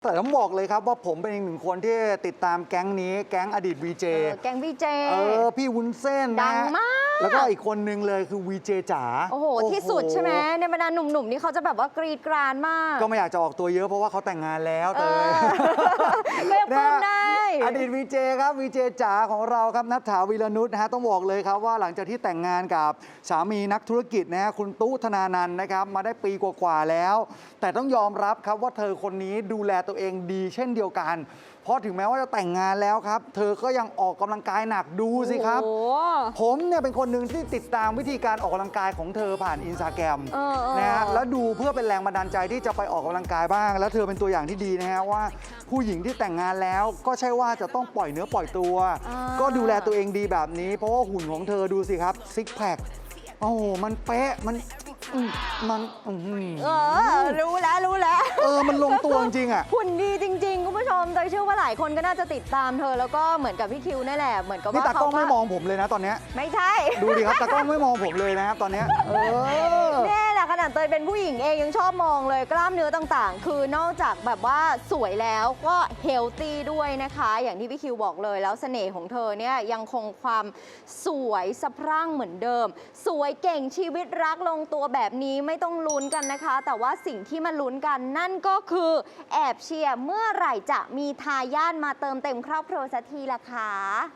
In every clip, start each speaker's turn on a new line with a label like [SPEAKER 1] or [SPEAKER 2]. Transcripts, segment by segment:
[SPEAKER 1] แต่ต้องบอกเลยครับว่าผมเป็นอีกหนึ่งคนที่ติดตามแก๊งนี้แก๊งอดีตวีเจ
[SPEAKER 2] แก๊งวีเจ
[SPEAKER 1] พี่วุ้นเส้น
[SPEAKER 2] ดังมาก
[SPEAKER 1] แล้วก็อีกคนนึงเลยคือวีเจจ๋า
[SPEAKER 2] โอ้โหที่สุดใช่ไหมในบรรดาหนุ่มๆนี่เขาจะแบบว่ากรีดกรานมาก
[SPEAKER 1] ก็ไม่อยากจะออกตัวเยอะเพราะว่าเขาแต่งงานแล้วเตย
[SPEAKER 2] ก็ยังป้องได้
[SPEAKER 1] อดีตวีเจครับวีเจจ๋าของเราครับณัฐฐาวีรนุชนะฮะต้องบอกเลยครับว่าหลังจากที่แต่งงานกับสามีนักธุรกิจนะฮะคุณตู้ธนานันท์นะครับมาได้ปีกว่าๆแล้วแต่ต้องยอมรับครับว่าเธอคนนี้ดูแลตัวเองดีเช่นเดียวกันเพราะถึงแม้ว่าจะแต่งงานแล้วครับเธอก็ยังออกกำลังกายหนักดูสิครับผมเนี่ยเป็นคนหนึ่งที่ติดตามวิธีการออกกำลังกายของเธอผ่านอินสตาแกรมนะฮะแล้วดูเพื่อเป็นแรงบันดาลใจที่จะไปออกกำลังกายบ้างแล้วเธอเป็นตัวอย่างที่ดีนะฮะว่าผู้หญิงที่แต่งงานแล้วก็ใช่ว่าจะต้องปล่อยเนื้อปล่อยตัวก็ดูแลตัวเองดีแบบนี้เพราะว่าหุ่นของเธอดูสิครับซิกแพคโอ้โหมันเป๊ะมัน
[SPEAKER 2] รู้แล้ว
[SPEAKER 1] มันลงตัวจริงอ่ะ
[SPEAKER 2] หุ่นดีจริงๆคุณผู้ชมโดยเชื่อว่าหลายคนก็น่าจะติดตามเธอแล้วก็เหมือนกับพี่คิวนี่แหละเหมือนกับว่า
[SPEAKER 1] นี่ตากล้องไม่มองผมเลยนะตอนนี้
[SPEAKER 2] ไม่ใช่
[SPEAKER 1] ดูดิครับตากล้องไม่มองผมเลยนะครับตอนนี้
[SPEAKER 2] นี่แหละขนาดเตยเป็นผู้หญิงเองยังชอบมองเลยกล้ามเนื้อต่างๆคือนอกจากแบบว่าสวยแล้วก็เฮลตี้ด้วยนะคะอย่างที่พี่คิวบอกเลยแล้วเสน่ห์ของเธอเนี่ยยังคงความสวยสะพรั่งเหมือนเดิมสวยเก่งชีวิตรักลงตัวแบบนี้ไม่ต้องลุ้นกันนะคะแต่ว่าสิ่งที่มาลุ้นกันนั่นก็คือแอบเชียร์เมื่อไหร่จะมีทายาทมาเติมเต็มครอบครัวสักทีล่ะคะ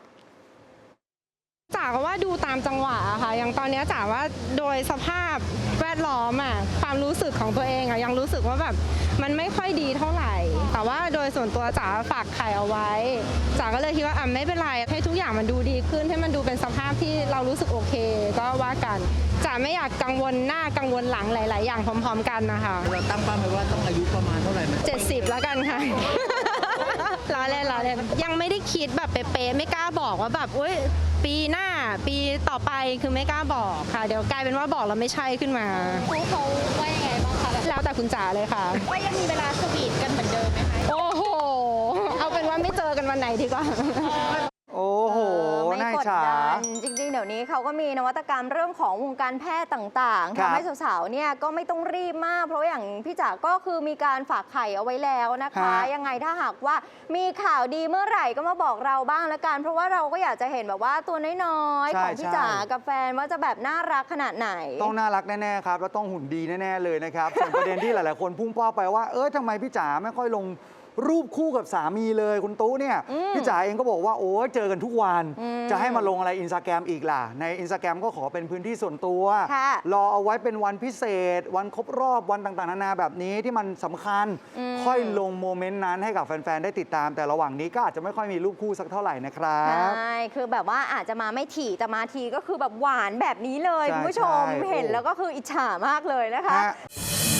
[SPEAKER 3] จ๋าก็ว่าดูตามจังหวะค่ะอย่างตอนนี้จ๋าว่าโดยสภาพแวดล้อมความรู้สึกของตัวเองยังรู้สึกว่าแบบมันไม่ค่อยดีเท่าไหร่แต่ว่าโดยส่วนตัวจ๋าฝากไข่เอาไว้จ๋าก็เลยคิดว่าไม่เป็นไรให้ทุกอย่างมันดูดีขึ้นให้มันดูเป็นสภาพที่เรารู้สึกโอเคก็ว่ากันจ๋าไม่อยากกังวลหน้ากังวลหลังหลายๆอย่างพร้อมๆกันนะคะ
[SPEAKER 4] เราตั้งเป้าไว้ว่าต้องอายุประมาณเท่าไหร่ไหม
[SPEAKER 3] 70แล้วกันค่ะล้อเล่นยังไม่ได้คิดแบบเป๊ะๆไม่กล้าบอกว่าแบบอุ้ยปีหน้าปีต่อไปคือไม่กล้าบอกค่ะเดี๋ยวกลายเป็นว่าบอกแล้วไม่ใช่ขึ้นมา
[SPEAKER 5] เขาว่ายังไงบ้างคะ
[SPEAKER 3] แล้วแต่คุณจ๋าเลยค่ะ
[SPEAKER 5] ว่ายังมีเวลาสวีทกันเหมือนเดิมไหมคะ
[SPEAKER 3] โอ้โหเอาเป็นว่าไม่เจอกันวันไหนดีกว่า
[SPEAKER 1] โอ้โห
[SPEAKER 2] ไม่กดดันจริงๆเดี๋ยวนี้เขาก็มีนวัตกรรมเรื่องของวงการแพทย์ต่างๆทำให้สาวๆเนี่ยก็ไม่ต้องรีบมากเพราะอย่างพี่จ๋าก็คือมีการฝากไข่เอาไว้แล้วนะคะยังไงถ้าหากว่ามีข่าวดีเมื่อไหร่ก็มาบอกเราบ้างละกันเพราะว่าเราก็อยากจะเห็นแบบว่าตัวน้อยๆของพี่จ๋ากับแฟนว่าจะแบบน่ารักขนาดไหน
[SPEAKER 1] ต้องน่ารักแน่ๆครับแล้วต้องหุ่นดีแน่ๆเลยนะครับส่วนประเด็นที่หลายๆคนพุ่งเป้าไปว่าทำไมพี่จ๋าไม่ค่อยลงรูปคู่กับสามีเลยคุณตู้เนี่ยพี่จ๋าเองก็บอกว่าโอ้เจอกันทุกวันจะให้มาลงอะไรอินสตาแกรมอีกล่ะในอินสตาแกรมก็ขอเป็นพื้นที่ส่วนตัวรอเอาไว้เป็นวันพิเศษวันครบรอบวันต่างๆนานาแบบนี้ที่มันสำคัญค่อยลงโมเมนต์นั้นให้กับแฟนๆได้ติดตามแต่ระหว่างนี้ก็อาจจะไม่ค่อยมีรูปคู่สักเท่าไหร่นะครับ
[SPEAKER 2] ใช่คือแบบว่าอาจจะมาไม่ถี่แต่มาทีก็คือแบบหวานแบบนี้เลยคุณผู้ชมเห็นแล้วก็คืออิจฉามากเลยนะคะ